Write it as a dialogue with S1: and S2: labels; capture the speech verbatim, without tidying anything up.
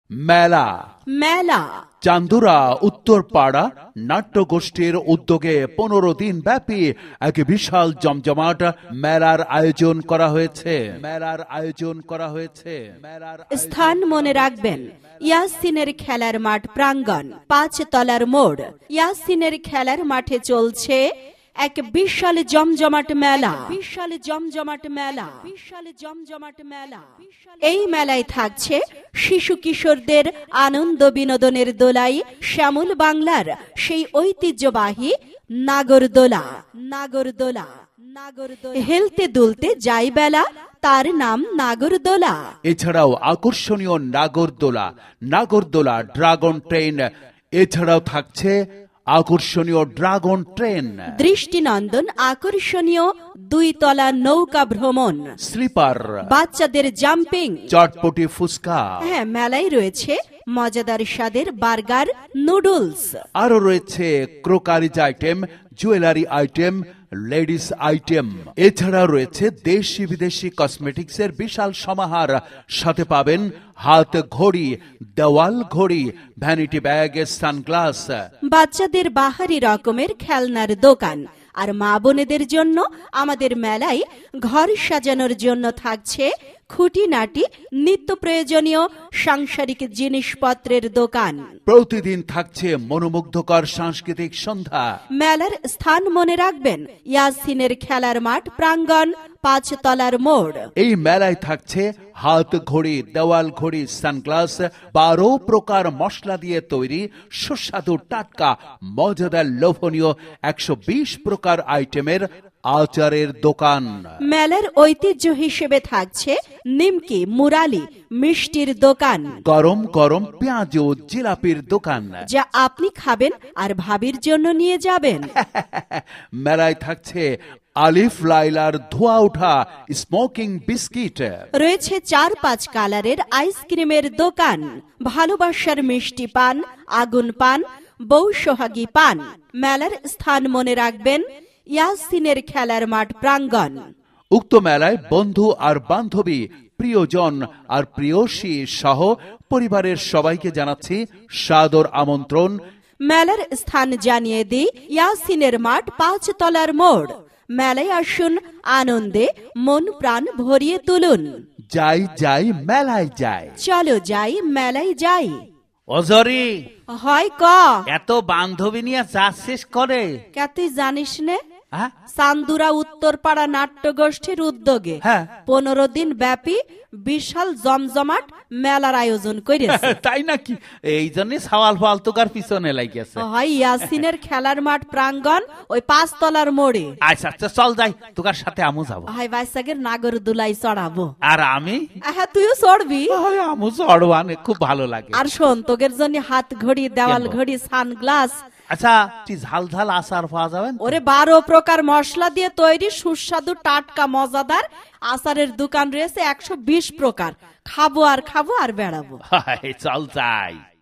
S1: মেলা
S2: মেলা
S1: চান্দুরা উত্তরপাড়া নাট্যগোষ্ঠীর উদ্যোগে পনেরো দিন ব্যাপী এক বিশাল জমজমাট মেলার আয়োজন করা হয়েছে মেলার আয়োজন করা হয়েছে মেলার
S2: স্থান মনে রাখবেন, ইয়াসিনের খেলার মাঠ প্রাঙ্গণ, পাঁচ তলার মোড়। ইয়াসিনের খেলার মাঠে চলছে এক বিশাল জমজমাট মেলা বিশাল জমজমাট মেলা বিশাল জমজমাট মেলা এই মেলায় থাকছে শিশু কিশোরদের আনন্দ বিনোদনের দোলাই শ্যামল বাংলার সেই ঐতিহ্যবাহী নাগরদোলা নাগরদোলা নাগরদোলা হেলতে দুলতে যাই বেলা, তার নাম নাগরদোলা।
S1: এছাড়াও আকর্ষণীয় নাগরদোলা নাগরদোলা ড্রাগন ট্রেন, এছাড়াও থাকছে আকর্ষণীয় ড্রাগন ট্রেন,
S2: দৃষ্টিনন্দন আকর্ষণীয় দুই তলা নৌকা ভ্রমণ,
S1: স্লিপার,
S2: বাচ্চাদের জাম্পিং,
S1: চটপটি ফুচকা।
S2: হ্যাঁ, মেলায় রয়েছে মজাদার স্বাদের বার্গার, নুডলস।
S1: আরো রয়েছে crockery item, jewellery item, ladies item. এছাড়া রয়েছে দেশি বিদেশি কসমেটিক্সের বিশাল সমাহার। সাথে পাবেন হাত ঘড়ি, দেওয়াল ঘড়ি, ভ্যানিটি ব্যাগ, সানগ্লাস।
S2: বাচ্চাদের বাহারি রকমের খেলনার দোকান। আর মা বোনেদের জন্য আমাদের মেলায় ঘর সাজানোর জন্য থাকছে খুঁটিনাটি নিত্য প্রয়োজনীয় সাংসারিক জিনিসপত্রের দোকান।
S1: প্রতিদিন থাকছে মনোমুগ্ধকর সাংস্কৃতিক সন্ধ্যা।
S2: মেলার স্থান মনে রাখবেন, ইয়াসিনের খেলার মাঠ প্রাঙ্গণ, পাঁচ তলার মোড়।
S1: এই মেলায় থাকছে হাত ঘড়ি, দেওয়াল ঘড়ি, সানগ্লাস, বারো প্রকার মশলা দিয়ে তৈরি সুস্বাদু টাটকা মজাদার লোভনীয় একশো বিশ প্রকার আইটেমের আচারের দোকান।
S2: মেলার ঐতিহ্য হিসেবে থাকছে নিমকি, মুরালি, মিষ্টির দোকান,
S1: গরম গরম পেঁয়াজ ও জিলাপির দোকান,
S2: যা আপনি খাবেন আর ভাবির জন্য নিয়ে যাবেন।
S1: মেলায় থাকছে আলিফ লাইলার ধোয়া ওঠা স্মোকিং বিস্কিট,
S2: রয়েছে চার পাঁচ কালারের আইসক্রিমের দোকান, ভালোবাসার মিষ্টি পান, আগুন পান, বউ সোহাগী পান। মেলার স্থান মনে রাখবেন, ইয়াসিনের খেলার মাঠ প্রাঙ্গণ।
S1: উক্ত মেলায় বন্ধু আর বান্ধবী, প্রিয়জন আর প্রিয়সী সহ পরিবারের সবাইকে জানাচ্ছি সাদর আমন্ত্রণ।
S2: মেলার স্থান জানিয়ে দিই, ইয়াসিনের মাঠ, পাঁচ তলার মোড়। মেলায় আসুন, আনন্দে মন প্রাণ ভরিয়ে তুলুন।
S1: যাই যাই মেলায় যাই,
S2: চলো যাই মেলায় যাই।
S3: অজরি,
S2: হয় ক
S3: এত বান্ধবী নিয়ে যাচ্ছিস করে?
S2: কে তুই জানিস নে?
S3: হ্যাঁ?
S2: চান্দুরা উত্তরপাড়া নাট্যগোষ্ঠীর উদ্যোগে
S3: হ্যাঁ।
S2: পনেরো দিন ব্যাপী বিশাল জমজমাট মেলার আয়োজন করেছে।
S3: তাই নাকি? এই জন্য সওয়াল ফালতুকার পিছনে লাগিয়েছে।
S2: হয় ইয়াসিনের খেলার মাঠ প্রাঙ্গণ, ওই পাঁচ তলার মোড়ে।
S3: আচ্ছা আচ্ছা, চল যাই, তোকার সাথে আমু যাবো।
S2: হয় বাইসাগের নাগর দুলাই চড়াবো।
S3: আর আমি?
S2: হ্যাঁ, তুইও চড়বি।
S3: হয়, আমু চড়বানে খুব ভালো লাগে।
S2: আর শোন, তোদের জন্য হাত ঘড়ি, দেওয়াল
S3: কেন?
S2: ঘড়ি, সানগ্লাস।
S3: আচ্ছা, তুই ঝাল ঝাল আচার পাওয়া যাবেন?
S2: ওরে বারো প্রকার মশলা দিয়ে তৈরি সুস্বাদু টাটকা মজাদার আচারের দোকান রয়েছে একশো বিশ প্রকার। খাবো আর খাবো আর বেড়াবো।
S3: চল যাই।